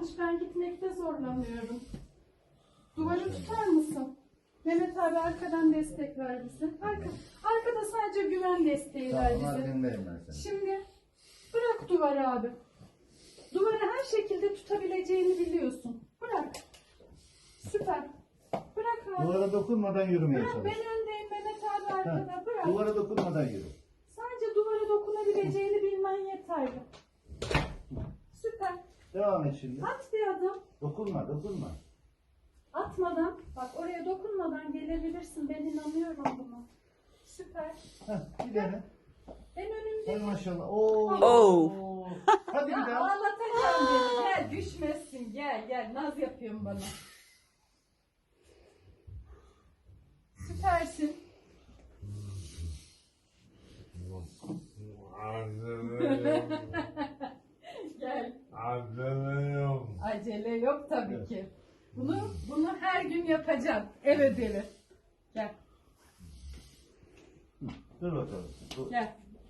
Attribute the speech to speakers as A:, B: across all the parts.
A: yanlış. Ben gitmekte zorlanıyorum. Duvarı tutar mısın? Mehmet abi arkadan destek ver bize. Arkada sadece güven desteği ver
B: Tamam,
A: bize.
B: arkandayım ben senin.
A: Şimdi bırak duvarı abi. Duvarı her şekilde tutabileceğini biliyorsun. Bırak. Süper. Bırak abi.
B: Duvara dokunmadan yürümeye
A: Bırak,
B: çalış.
A: ben öndeyim, Mehmet abi arkada. Bırak.
B: Duvara dokunmadan yürü.
A: Sadece duvara dokunabileceğini bilmen yeterli. Süper.
B: Devam et şimdi.
A: At bir adım.
B: Dokunma, dokunma.
A: Atmadan, bak oraya dokunmadan gelebilirsin. Ben inanıyorum buna. Süper.
B: Heh, bir dene.
A: En
B: Hay
A: önümde.
B: maşallah. Oo.
C: Oh.
B: Hadi bir daha.
A: Ağlatacağım beni. Gel, düşmezsin. Gel. Naz yapıyorsun bana. Süpersin. Gel. Acele yok tabii
B: Evet.
A: ki. Bunu her gün yapacağım. Ev ödevi. Gel.
B: Dur bakalım. Dur.
A: Gel.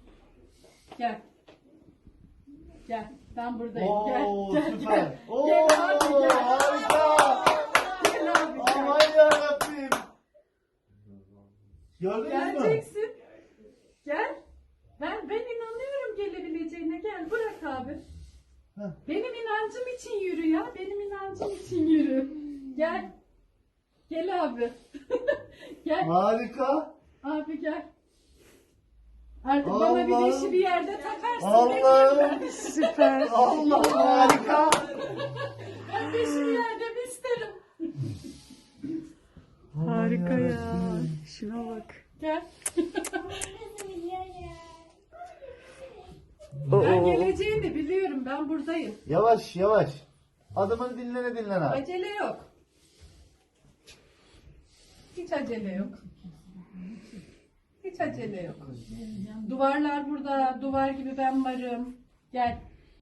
A: Gel. Ben buradayım.
B: Oo,
A: Gel.
B: süper. Oo,
A: Gel abi gel.
B: harika.
A: Gel abi gel.
B: Aman yarabbim. Gördünüz mü?
A: Geleceksin. Gel. Ben inanıyorum gelebileceğine. Gel bırak abi.
B: Heh.
A: Benim inancım için yürü ya. Benim inancım için yürü. Gel. Gel abi. Gel.
B: Harika.
A: Abi gel. Artık bana bir
B: Allah'ım.
A: dişi bir yerde takarsın.
B: Allah'ım.
C: Süper.
B: Allah harika.
A: Ben dişi bir yerde bir isterim.
C: Harika ya. Şuna bak.
A: Gel. Ben
C: Oo.
A: geleceğini biliyorum. Ben buradayım.
B: Yavaş yavaş. Adımını dinlene abi.
A: Acele yok. Hiç acele yok. Hiç acele yok. Duvarlar burada. Duvar gibi ben varım. Gel.